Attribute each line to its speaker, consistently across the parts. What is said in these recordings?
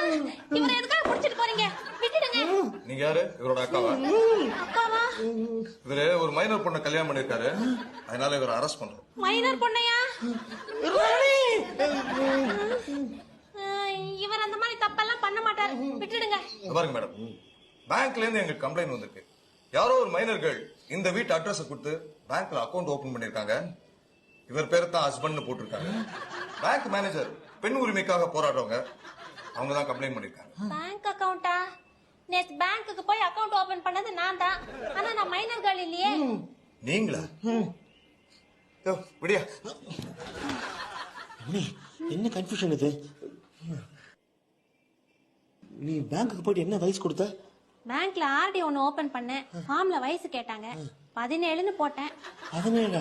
Speaker 1: இவரை எதுக்காக புடிச்சிட்டு போறீங்க? விட்டுடுங்க.
Speaker 2: நீங்க யாரு? இவரோட அக்காவா?
Speaker 1: அக்காவா?
Speaker 2: இவரு ஒரு மைனர் பொண்ணை கல்யாணம் பண்ணிருக்காரு, அதனால இவரை அரெஸ்ட் பண்றோம்.
Speaker 1: மைனர் பொண்ணையா? இவர் அந்த மாதிரி தப்பெல்லாம் பண்ண மாட்டாரு, விட்டுடுங்க.
Speaker 2: பாருங்க மேடம், பேங்க்ல இருந்து எங்களுக்கு கம்ப்ளைண்ட் வந்திருக்கு. யாரோ ஒரு மைனர்கள் இந்த வீட்டு அட்ரஸ் கொடுத்து பேங்க்ல அக்கவுண்ட் ஓபன் பண்ணிருக்காங்க. இவர் பேரை தான் ஹஸ்பண்ட் போட்டிருக்காங்க. பேங்க் மேனேஜர் பெண் உரிமைக்காக போராடுறவங்க, அவங்க தான் கம்ப்ளைண்ட் பண்ணிருக்காங்க.
Speaker 1: பேங்க் அக்கவுண்டா? நேத்து பேங்க்குக்கு போய் அக்கவுண்ட் ஓபன் பண்ணது நான் தான். ஆனா நான் மைனர் கேர்ள் இல்லையே.
Speaker 2: நீங்களா? விடியா
Speaker 3: என்ன கன்ஃபியூஷன் இது? நீ பேங்க்குக்கு போயிட்டு என்ன வயசு கொடுத்த?
Speaker 1: பேங்க்ல ஆர்டி ஒன்னு ஓபன் பண்ணேன். ஃபார்ம்ல வயசு கேட்டாங்க, 17ன்னு போட்டேன்.
Speaker 3: 17?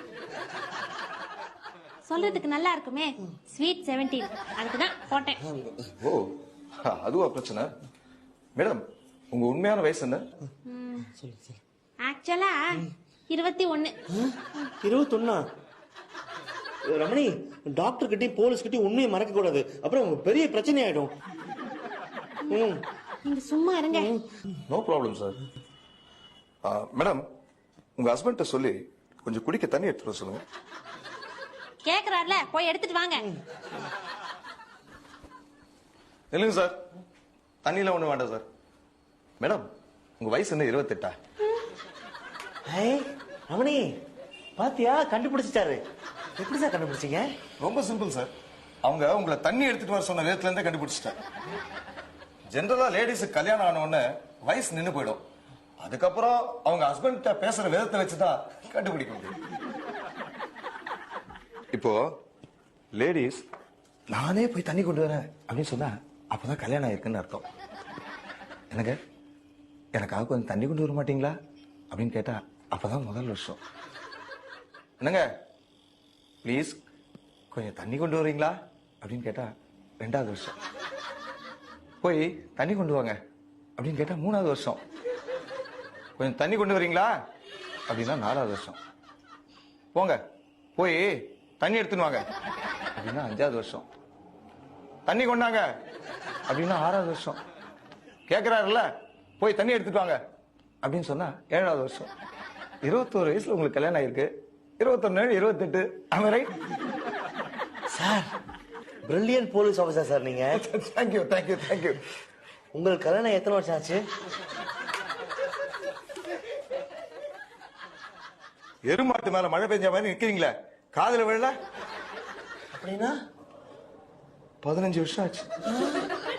Speaker 1: சொல்றதுக்கு நல்லா இருக்குமே, ஸ்வீட் 17, அதுக்குதான் போட்டேன்.
Speaker 2: ஓ, அதுவா பிரச்சனை? மேடம், உங்க உண்மையான வயசு என்ன?
Speaker 1: ஆக்சுவலா 21.
Speaker 3: 21? ரமணி, டாக்டர் கிட்டயும் போலீஸ் கிட்டயும் உண்மையை மறக்க கூடாது, அப்புறம் பெரிய பிரச்சனை ஆயிடும்.
Speaker 1: நீங்க சும்மா இருங்க.
Speaker 2: No problem sir. மேடம், உங்க ஹஸ்பண்ட சொல்லி கொஞ்சம் குடிக்க தண்ணி எடுத்துட்டு சொல்லுங்க.
Speaker 1: கேக்குறாருல, போய் எடுத்துட்டு வாங்க.
Speaker 2: இல்லைங்க சார், தண்ணியில ஒண்ணு வேண்டாம் சார். மேடம், உங்க வயசு என்ன 28?
Speaker 3: ரமணி, பாத்தியா, கண்டுபிடிச்சிட்டாரு. எப்படி சார் கண்டுபிடிச்சீங்க?
Speaker 2: ரொம்ப சிம்பிள் சார். அவங்க உங்களை தண்ணி எடுத்துட்டு வர சொன்ன நேரத்துல இருந்தே கண்டுபிடிச்சிட்டாங்க. ஜெனரலா லேடிஸுக்கு கல்யாணம் ஆன உடனே வயசு நின்று போயிடும். அதுக்கப்புறம் அவங்க ஹஸ்பண்ட் பேசுற விதத்தை வச்சுதான் கண்டுபிடிக்க முடியும். இப்போ லேடிஸ் நானே போய் தண்ணி கொண்டு வரேன் அப்படின்னு சொன்னா அப்பதான் கல்யாணம் ஆயிருக்குன்னு அர்த்தம். எனக்கு எனக்காக கொஞ்சம் தண்ணி கொண்டு வர மாட்டீங்களா அப்படின்னு கேட்டா அப்பதான் முதல் வருஷம். என்னங்க ப்ளீஸ் கொஞ்சம் தண்ணி கொண்டு வரீங்களா அப்படின்னு கேட்டா 2வது வருஷம். போய் தண்ணி கொண்டு வாங்க அப்படின்னு கேட்டா 3வது வருஷம். கொஞ்சம் தண்ணி கொண்டு வரீங்களா அப்படின்னா 4வது வருஷம். போங்க போய் தண்ணி எடுத்துன்னு வாங்க அப்படின்னா 5வது வருஷம். தண்ணி கொண்டாங்க அப்படின்னா 6வது வருஷம். கேட்கிறாருல்ல, போய் தண்ணி எடுத்துட்டு வாங்க அப்படின்னு சொன்னா 7வது வருஷம். 21 வயசுல உங்களுக்கு கல்யாணம் ஆயிருக்கு. 21, 28. am I right?
Speaker 3: Sir, brilliant police officer sir நீங்க.
Speaker 2: Thank you thank you thank you.
Speaker 3: உங்களுக்கு கல்யாணம் எத்தனை வருஷம் ஆச்சு?
Speaker 2: எருமாட்டு மேல மழை பெஞ்ச மாதிரி நிக்கிறீங்களே, காதுல விழல?
Speaker 3: அப்படின்னா
Speaker 2: 15 வருஷம் ஆச்சு.